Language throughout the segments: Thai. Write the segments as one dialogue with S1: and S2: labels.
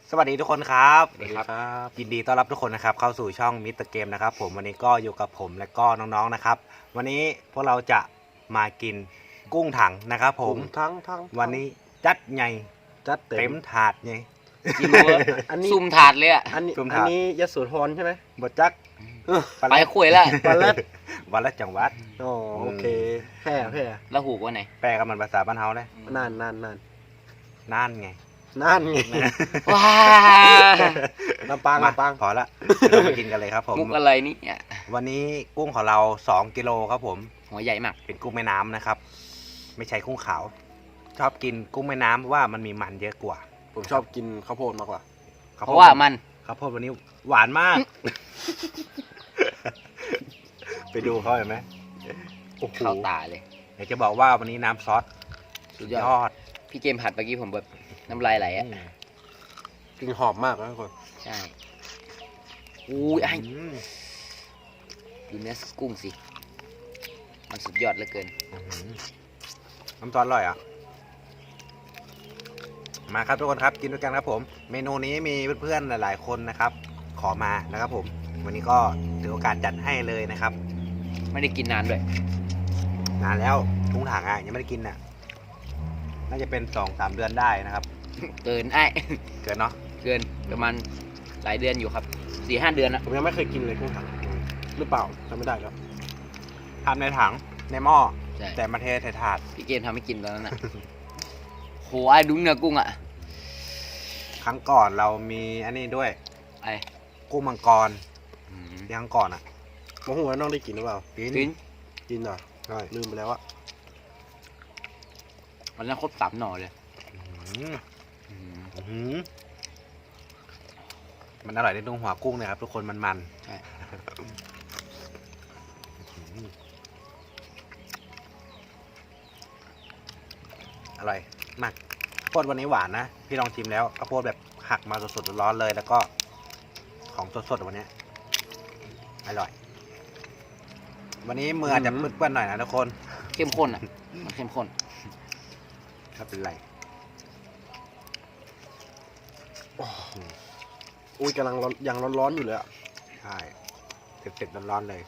S1: สวัสดีทุกคนครับ
S2: สวัสดีครับ
S1: ยินดีต้อนรับทุกคนนะครับเข้าสู่ช่องมิสเตอร์เกมนะครับผมวันนี้ก็อยู่กับผมและก็น้องๆนะครับวันนี้พวกเราจะมากินกุ้งถังนะครับผม
S2: ทั้ง
S1: วันนี้จัดใหญ่
S2: จัด
S1: เต็มถาดไง
S3: กิโล
S2: อันนี้
S3: ซุ่มถาดเลยอ่ะ
S2: อันนี้
S1: ซุ่ม
S2: อั
S1: ถาด
S2: นนี้ยโสธรใช่ไหม
S1: บดจัก
S3: ไปคุยแล้ว
S2: วันละ
S1: วันละจังหวัด
S2: อ๋อโอเคแพร่
S3: แล้วหูกว่าไหน
S1: แปลกับมันภาษาบ้านเฮาเลย
S2: นาน
S1: นั่นไง
S2: นั่นไง
S3: ว้า
S2: ลำปาง
S1: มา
S2: ลำปาง
S1: พอละเราไปกินกันเลยครับผม
S3: มุกอะไรนี่อ่ะ
S1: วันนี้กุ้งของเรา2 กิโลครับผม
S3: หัวใหญ่มาก
S1: เป็นกุ้งแม่น้ำนะครับ ไม่ใช่กุ้งขาว ชอบกินกุ้งแม่น้ำเพราะว่ามันมีมันเยอะกว่า
S2: ผมชอบกินข้าวโพดมากกว่า
S3: เพราะว่ามัน
S1: ข้าวโพดวันนี้หวานมาก ไปดูเขาเห็นไหมโอ้โห
S3: เข้าตาเลย
S1: อยากจะบอกว่าวันนี้น้ำซอส
S3: สุด
S1: ย
S3: ย
S1: อ
S3: อด
S1: ด
S3: พี่เกมผัดเมื่อกี้ผมแบบน้ำลายไหลอ่ะ
S2: กลินหอมมากนะทุกคน
S3: ใช่อู้ยไอ้
S1: อืม
S3: ดูเนื้อกุ้งสิ มันสุดยอดเหลือเกิน
S1: อื้อหือน้ำซอสอร่อยอ่ะ มาครับทุกคนครับกินด้วยกันครับผม เมนูนี้มีเพื่อนๆหลายๆคนนะครับ ขอมานะครับผม วันนี้ก็ถือโอกาสจัดให้เลยนะครับ
S3: ไม่ได้กินนานด้วย
S1: นานแล้วกุ้งถังอ่ะยังไม่ได้กินอ่ะ น่าจะเป็น2-3 เดือนได้นะครับ
S3: เกินไอ้
S1: เกินเนาะ
S3: เกินประมาณหลายเดือนอยู่ครับ 4-5 เดือนนะ
S2: ผมยังไม่เคยกินเลยกุ้งถังหรือเปล่าจำไม่ได้แล้ว
S1: ทำในถังในหม้อ
S3: ใช่
S1: แต่มาเทใส่ถาด
S3: พี่เกมทำให้กินตอนนั้นอ่ะ โหไอ้ดูเนื้อกุ้งอ่ะ
S1: ครั้งก่อนเรามีอันนี้ด้วย
S3: ไอ้
S1: กุ้งมังกร
S3: อืม
S1: ที่ครั้งก่อนอ่ะ
S2: โมโหว่าน้องได้กินหรือเปล่า
S1: กิน
S3: กิน
S2: กินเหรอ
S1: ใช่
S2: ลืมไปแล้วอะ
S3: วันนั้นครบ3 หน่อเลย
S1: อื้อ
S3: อืม
S1: หือมันอร่อยในตรงหัวกุ้งเนี่ยครับทุกคนมัน
S3: ใช่
S1: อร่อยมากข้าวโพดวันนี้หวานนะพี่ลองชิมแล้วข้าวโพดแบบหักมาสดๆร้อนๆเลย แล้วก็ของสดๆวันนี้อร่อย วันนี้มืออาจจะเปื้อนๆหน่อยนะทุกคน
S3: เข้มข้นอ่ะ มันเข้มข้น
S1: ถ้าเป็นไร
S2: อุ้ยกำลังยังร้อนๆอยู่เลยอะ
S1: ใช่เผ็ดๆร้อนๆเลย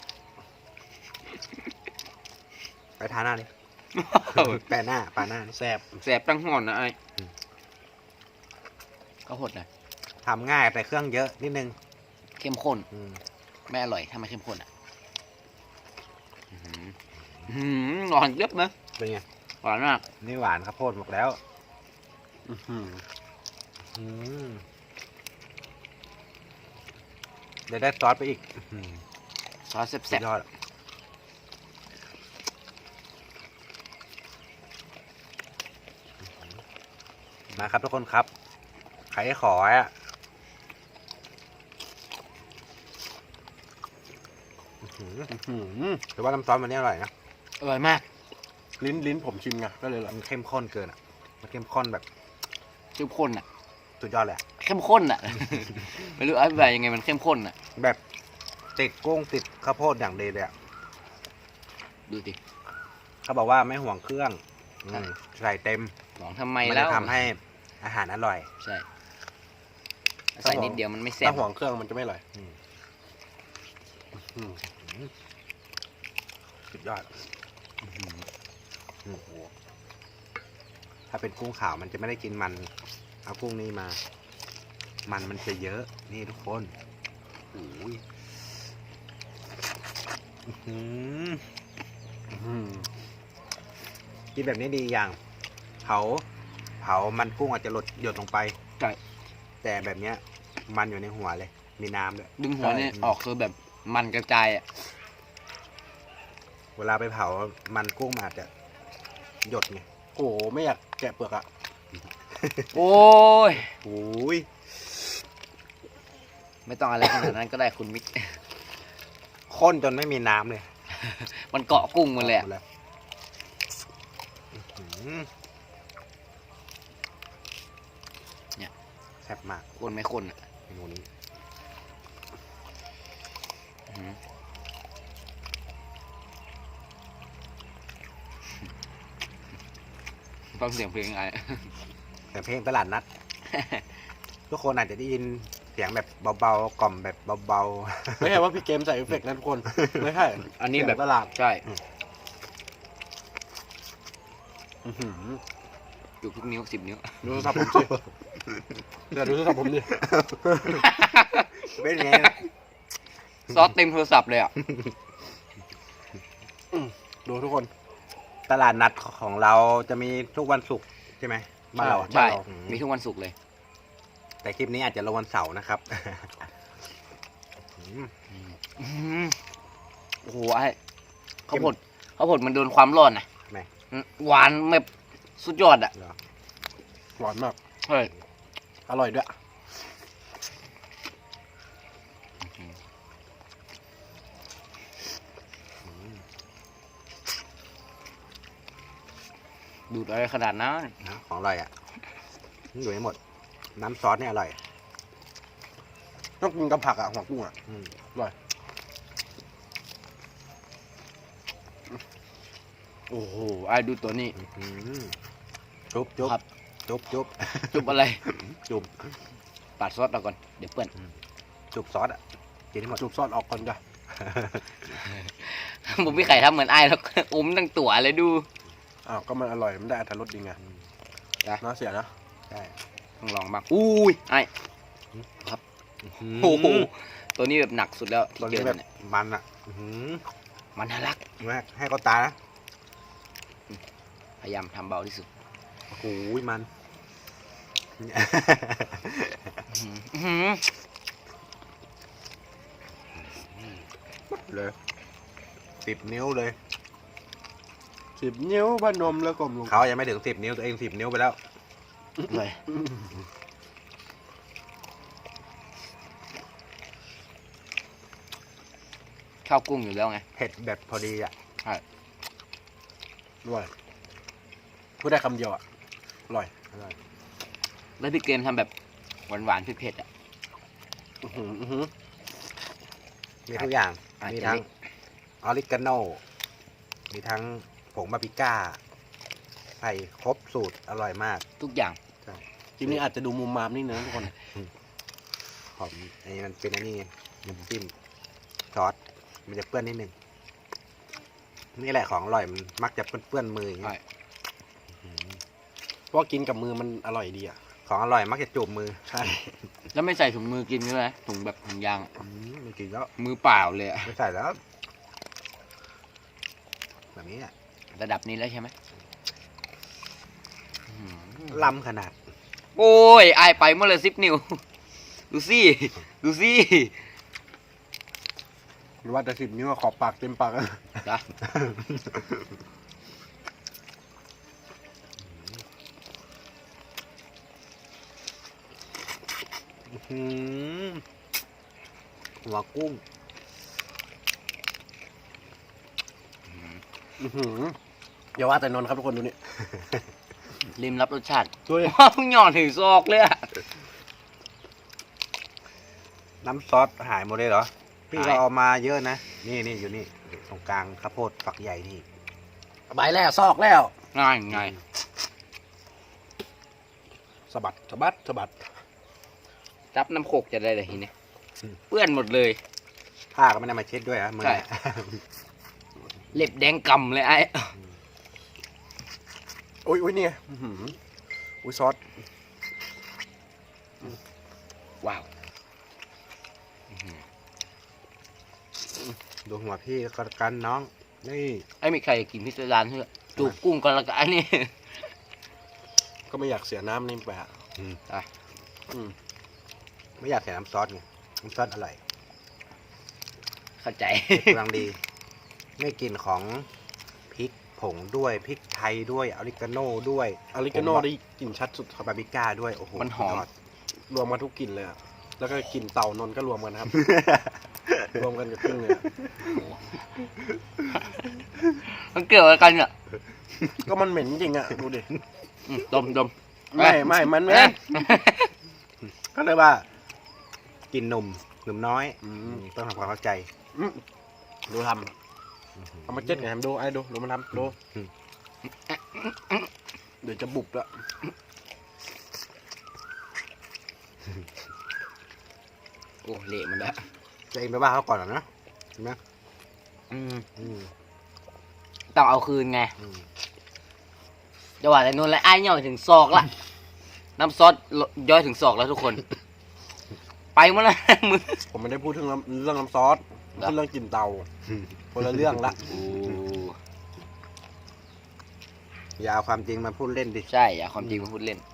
S1: ไปทานหน้าดิ แปะหน้าปาหน้า
S2: แซ่บ
S3: แสบตั้งห่อนนะไอ้
S1: อืม
S3: ก็หดหน่อย
S1: ทำง่ายแต่เครื่องเยอะนิดนึง
S3: เข้มข้น
S1: อืม
S3: ไม่อร่อยถ้าไม่เข้มข้นอ่ะหวานเยอะนะ
S1: เป็นไง
S3: หวานมาก
S1: นี่หวานข้าวโพดหมดแล้ว
S2: อื้อหือ
S1: อืมเดี๋ยวได้ซอสไปอีกอื้อหือ
S3: ซอส
S1: สุ
S3: แซ่
S1: ด
S3: บ
S1: ยอดมาครับทุกคนครับใครขออ่ะอื้อหือ
S2: อื้อหือ
S1: แต่ว่าน้ำซอสมันนี่อร่อยนะ
S3: ๆอร่อยมาก
S2: ลิ้นผมชิมไงก็เลยแหละ
S1: มันเข้มข้นเกินอ่ะ มันเข้มข้นแบบ
S3: เข้มข้นอ่ะ
S1: สุดยอดเลยอะ
S3: เข้มข้นอ่ะ ไม่รู้อธิบายยังไงมันเข้มข้นอ่ะ
S1: แบบติดกุ้งติดข้าวโพดอย่างดีเลยอะ
S3: ดูดิ
S1: เขาบอกว่าไม่ห่วงเครื่องอืมใส่เต็ม
S3: หวังทำไม
S1: มัน
S3: แล้
S1: จะ
S3: ว
S1: ทำให้อาหารอร่อย
S3: ใช่ใส่นิดเดียวมันไม่แซ่บ
S2: ถ้าห่วงเครื่องมันจะไม่อร่อย
S1: อืม
S2: อืม
S1: สุดยอด
S3: อื้อหือ
S1: โอ้โหถ้าเป็นกุ้งขาวมันจะไม่ได้กินมัน เอากุ้งนี่มา มันจะเยอะ นี่ทุกคนโอ้ยอื้อหือ
S2: อื้อหือ
S1: กินแบบนี้ดีอย่างเผามันกุ้งอาจจะหยดลงไป
S3: ใช่
S1: แต่แบบเนี้ย มันอยู่ในหัวเลย มีน้ำด้วย
S3: ดึงหัวเนี่ยออกคือแบบมันกระจายอ่ะ
S1: เวลาไปเผา มันกุ้งมันอาจจะหยดไง
S2: โอ้โหไม่อยากแกะเปลือกอะ
S3: โอ้ย
S1: โอ้ย
S3: ไม่ต้องอะไรขนาดนั้นก็ได้คุณมิก
S1: ข้นจนไม่มีน้ำเลย
S3: มันเกาะกุ้งหมดเลยอะ
S1: แล้วอื้อหือแซ่บมาก
S3: คนไม่คนอ่ะ
S1: เมนูนี้
S3: อื้อหือฟังเสียงเพลงไง
S1: แต่เพลงตลาดนัดทุกคนอาจจะได้ยินเสียงแบบเบาๆกล่อมแบบเบา
S2: ไม่ใช่ว่าพี่เกมใส่เอฟเฟกต์นะทุกคน ไม่ใช่
S3: อันนี้แบบ
S2: เสียงตลาด
S3: ใช่
S2: อื้อหือ
S3: อยู่ทุกนิ้ว10 นิ้ว
S2: ดูโทรศัพท์ผมสิเดี๋ยวดูโทรศัพท์ผมดิ
S1: ๆเป็นไง
S3: ซอสเต็มโทรศัพท์เลยอ่ะ
S2: ดูทุกคน
S1: ตลาดนัดของเราจะมีทุกวันศุกร์ใช่ไหมบ้านเราอะ
S3: ใช่
S1: บ้านเรา
S3: มีทุกวันศุกร์เลย
S1: แต่คลิปนี้อาจจะลงวันเสาร์นะครับ
S3: โอ้โหไอ้ข้าวโพดมันโดนความร้อนนะ
S1: ไหน
S3: หวานแบบสุดยอดอ่ะ
S1: เหรอ
S2: หวานมาก
S3: เฮ้ย
S2: อร่อยด้วย
S3: ดูดอะไรขนาดนั้น
S1: นะของอร่อยอ่ะอยู่ให้หมด น้ำซอสเนี่ยอร่อย
S2: ต้องกินกับผักอ่ะหัวกุ้งอ่ะ
S1: อืม
S3: โอ้โหไอ้ดูตัวนี้
S1: อืมจุ๊บจุ๊บ
S3: ครับ
S1: จุ๊บจุ๊บ
S3: จุบอะไร
S1: จุ๊บ
S3: ปาดซอสเราก่อน เดี๋ยวเปื้อน
S1: จุ๊บซอสอ่ะกินให้หมด
S2: จุบซอสออกก่อนจ้ะ
S3: ผมพี่ไข่ทำเหมือนไอ้แล้ว อมตั้งตัวเลยดู
S2: อ้าวก็มันอร่อยมันได้อรรถรสดีไง
S3: จ้ะ
S2: น่าเสียนะ
S1: ใช่
S3: ต้องลองบ้างอุ้ยไอ้โอ้โหตัวนี้แบบหนักสุดแล้ว
S1: ตอน
S3: ที่เจ
S1: นี้
S3: อ
S1: แบบ
S3: เนี่ย
S1: มันอ่ะอื้อหือ
S3: มันน่ารัก
S1: มากให้เขาตานะ
S3: พยายามทำเบาที่สุด
S1: โอ้โหมัน
S3: อื้อหือ
S1: เลย10 นิ้วเลย
S2: 10 นิ้วพนมแล้วกลมลง
S1: เขายังไม่ถึง10 นิ้วตัวเอง10 นิ้วไปแล้ว
S3: เลยข้าวกุ้งอยู่แล้วไง
S1: เผ็ดแบบพอดีอ่ะ
S2: ด้วยพูดได้คำเดียวอ่ะอร่อย
S3: แล้วพี่เกมทำแบบหวานๆเผ็ดๆอ่ะ
S2: อื้อหืออื้อหือ
S1: มีทุกอย่าง
S3: อาจ
S1: มี
S3: จะ
S1: ทั้ง
S3: เล็ก
S1: ออริกาโนมีทั้งผงบาร์บีก้าใส่ครบสูตรอร่อยมาก
S3: ทุกอย่าง
S2: คลิปนี้อาจจะดูมุมมามนิดนึงนะทุกคน
S1: หอมอันนี้มันเป็นอันนี้ไงน้ำจิ้มซอสมันจะเปื้อนนิดนึงนี่แหละของอร่อยมันมักจะเปื้อนมืออย่าง
S3: ใช่
S1: เงี้ยอืม
S2: เพราะว่ากินกับมือมันอร่อยดีอ่ะ
S1: ของอร่อยมักจะจูบมือ
S2: ใช่
S3: แล้วไม่ใส่ถุงมือกินด้วยนะถุงแบบถุงยางอะ
S1: ไม่กินแล้ว
S3: มือเปล่าเลยอะ
S1: ไม่ใส่แล้ว แบบนี้อ่ะ
S3: ระดับนี้แล้วใช่ไหมอื้อหือ
S1: ล้ำขนาด
S3: โอ้ยไอายไปเมื่อเลย10 นิ้ว ดูสิดูสิ
S2: หรือว่าแต่10 นิ้วอะขอบปากเต็มปากอะ
S3: จ้ะ
S1: หืมหัวกุ้ง
S2: อื้อหืออย่าว่าแต่นนท์ครับทุกคนดูนี่
S3: ริมรับรสชาติ
S2: ช่วย
S3: ว้าวหย่อนถึงซอกเลยอะ
S1: น้ำซอสหายหมดเลยเหรอ พี่
S3: หาย
S1: เราเอามาเยอะนะ นี่อยู่นี่ตรงกลางข้าวโพดฝักใหญ่นี่
S2: ใบแล้วซอกแล้ว
S3: ง่ายง่าย
S2: สะบัดสะบัดสะบัด
S3: จับน้ำโขกจะได้เลยทีนี้เปื้อนหมดเลย
S1: ผ้าก็ไม่ได้มาเช็ดด้วยอะมือ
S3: ใช่
S1: เนี่ย
S3: เล็บแดงกำเลยไอ้
S2: อุ้ยเนี่ยอื้อหืออุ้ยซอส
S3: ว้าว
S1: ดูหัวพี่ก็กันน้อง นี่
S3: ไอ้มีใครกินพิซซ่าร้านเถอะจูบกุ้งกันละกันอันนี้
S2: ก็ไม่อยากเสียน้ำนี่ไปอ่ะ
S3: อ่ะ
S2: อืม
S1: ไม่อยากใส่น้ำซอสไง น้ำซอสอร่อย
S3: เข้าใจ
S1: เผ็ดกำลังดี ไม่กลิ่นของพริกผงด้วยพริกไทยด้วยออริกาโน่ด้วย
S2: อาริกาโน่ได้กลิ่นชัดสุดครับ
S1: บาร์บีก้าด้วย โอ้โห
S3: มันหอม
S1: สุดยด
S2: รวมมาทุกกลิ่นเลยอ่ะแล้วก็กลิ่นเต่านนท์ก็รวมกันนะครับ รวมกันกับกุ้งเลยอะ
S3: มันเกี่ยวอะไรกันเนี่ย
S2: ก็มันเหม็นจริงอ่ะดูดิ
S3: ดมดม
S2: ไม่มันไม่
S1: ก็เลยว่า กินหนุ่มน้อย
S2: อืม
S1: ต้องทำความเข้าใจ
S2: อืมดูทำเอามาเจ็ดไงทำดูไอ้ดูมันทำดูเดี๋ยวจะบุบละ
S3: อ้เละมันแล้ว
S1: จะเองไปว่าเขาก่อนเหรอนะเห็นไหม
S3: อืม
S1: อืม
S3: ต้องเอาคืนไง
S1: อืม
S3: จะว่าแต่นู่นแล้วไอ้ย่อยถึงศอกละน้ำซอสย่อยถึงศอกแล้วทุกคน ไปหมดแล้ว มือ
S2: ผมไม่ได้พูดถึงเรื่องน้ำซอสพูดเรื่องกลิ่นเตาคนละเรื่องละ
S3: โอ้
S1: อย่าเอาความจริงมาพูดเล่นดิ
S3: ใช่อย่าความจริงมาพูดเล่น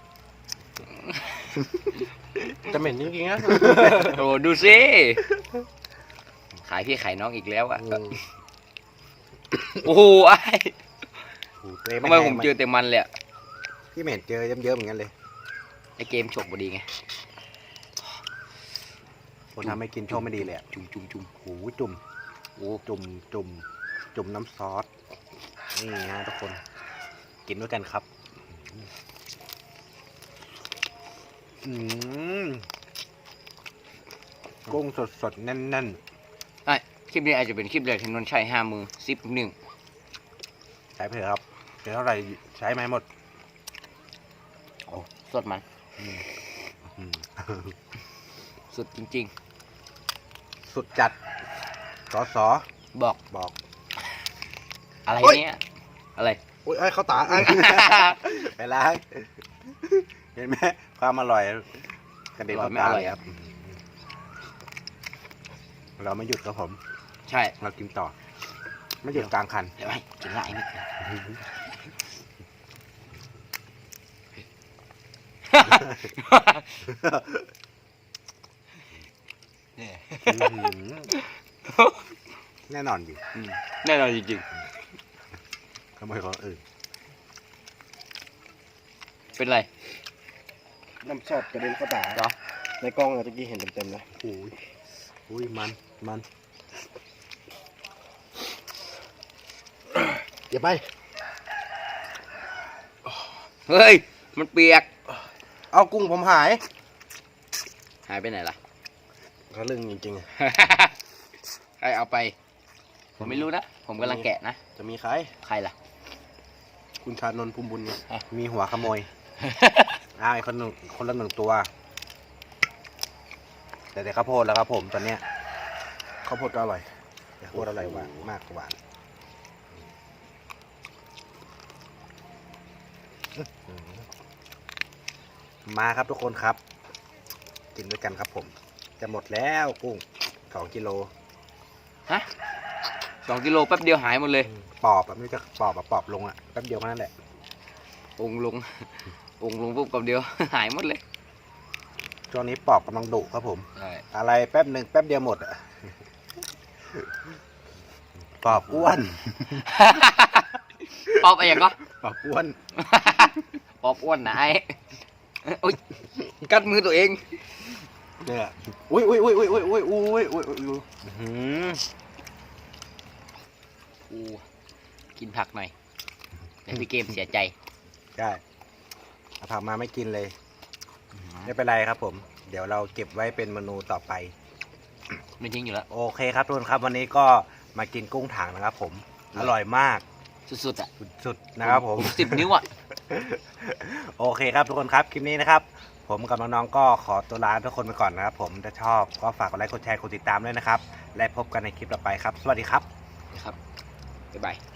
S2: จะเหม็นจริงๆนะ
S3: โอ้ดูสิขายพี่ขายน้องอีกแล้วอ่ะ
S1: อืม
S3: โอ้โหไอ้
S1: โอ้โหตัวเอง
S3: ทำไม
S1: แห้ง
S3: ผมเจอแต่มันเลยอะ
S1: พี่เหม็นเจอเยิ้มๆเหมือนกันเลย
S3: ไอเกมฉกพอดีไง
S1: คนทำให้กินโชคไม่ดีเลยอะ
S3: จุ่มจุ่มจุ่ม
S1: โอ้โหจุ่ม
S3: โอ้
S1: จุ่มน้ำซอส นี่ฮะทุกคน กินด้วยกันครับ อืมกุ้งสดๆแน่น
S3: ไอ้คลิปนี้อาจจะเป็นคลิปแรกที่นนท์ใช้5 มือ11
S1: ๆ ใช้ไปเถอะครับเดี๋ยวเท่าไหร่ใช้ไหมาให้หมด
S3: โอ้สดมัน
S1: อืม
S3: สุดจริง
S1: สุดจัดสอ
S3: ๆ บอก
S1: บอก
S3: อะไร
S1: โอ๊ย
S3: เนี่ยอะไร
S2: โอ้ยไอ้เขาตาไอ้
S1: ไปล้างเห็นไหมความอร่อยกระเด็นเข้าตาเลยครับ เราไม่หยุดครับผม
S3: ใช่
S1: เรากินต่อ ไม่หยุดกลางคัน
S3: เดี๋ยวให้กินละไอ้นี่
S1: แน่นอนอยู่
S3: แน่นอนจริง
S1: ขโมยของอื่น
S3: ๆ เป็นไร
S2: น้ำซอสกระเด็นเข้าตา
S3: เหรอ
S2: ในกล้องอะตะกี้เห็นเต็มๆนะ
S1: โอ้ยอุ้ยมันอย่าไป
S3: เฮ้ย มันเปียก
S2: เอากุ้งผมหาย
S3: หายไปไหนล่ะ
S2: ทะลึ่งจริงๆอะ
S3: ใครเอาไป ผมไม่รู้นะ ผมกำลังแกะนะ
S2: จะมีใคร
S3: ใครล่ะ
S2: คุณชานนท์ภูมิบุญไง
S1: มีหัวขโมยอ้าวไอ้คนหนึ่งคนละหนึ่งตัว แต่ข้าวโพดแล้วครับผมตอนเนี้ย
S2: ข้าวโพดก็อร่อย
S1: ข้าวโพดอร่อยหวานมากกว่าหวานมาครับทุกคนครับ กินด้วยกันครับผม จะหมดแล้วกุ้ง2 กิโล
S3: ฮะ2 กิโลแป๊บเดียวหายหมดเลย
S1: ปอบแบบนี้จะปอบแบบปอบลงอ่ะแป๊บเดียวแค่นั้นแหละ
S3: องค์ลง องค์ลงปุ๊บกับเดียว หายหมดเลย
S1: ช่วงนี้ปอบกำลังดุครับผม
S3: ใช่
S1: อะไรแป๊บหนึ่งแป๊บเดียวหมดอ่ะ ปอบอ้วน
S3: ปอบอะไรอย่างก็
S1: ปอบอ้วน
S3: ปอบอ้วนนะไอ้โอ๊ยกัดมือตัวเอง
S2: เนี่ยอุ้ยอุ้ยอุ้ยอุ้ยอุ้ยอุ้ยอุ้ยอุ้ยอุ้ย
S1: อื้อหือ
S3: กูกินผักหน่อยเดี๋ยวพี่เกมเสียใจ
S1: ได้เอาผักมาไม่กินเลย ไม่เป็นไรครับผม เดี๋ยวเราเก็บไว้เป็นเมนูต่อไป
S3: ไม่ทิ้งอยู่แล้ว
S1: โอเคครับทุกคนครับวันนี้ก็มากินกุ้งถังนะครับผม อร่อยมาก
S3: สุดๆอ่ะ
S1: สุดๆนะครับผม
S3: 10 นิ้วอ่ะ
S1: โอเคครับทุกคนครับคลิปนี้นะครับ ผมกับน้องๆก็ขอตัวลาทุกคนไปก่อนนะครับผมถ้าชอบก็ฝากกดไลค์กดแชร์กดติดตามด้วยนะครับ และพบกันในคลิปต่อไปครับ สวัสดีครับ
S3: นะครับ บ๊ายบาย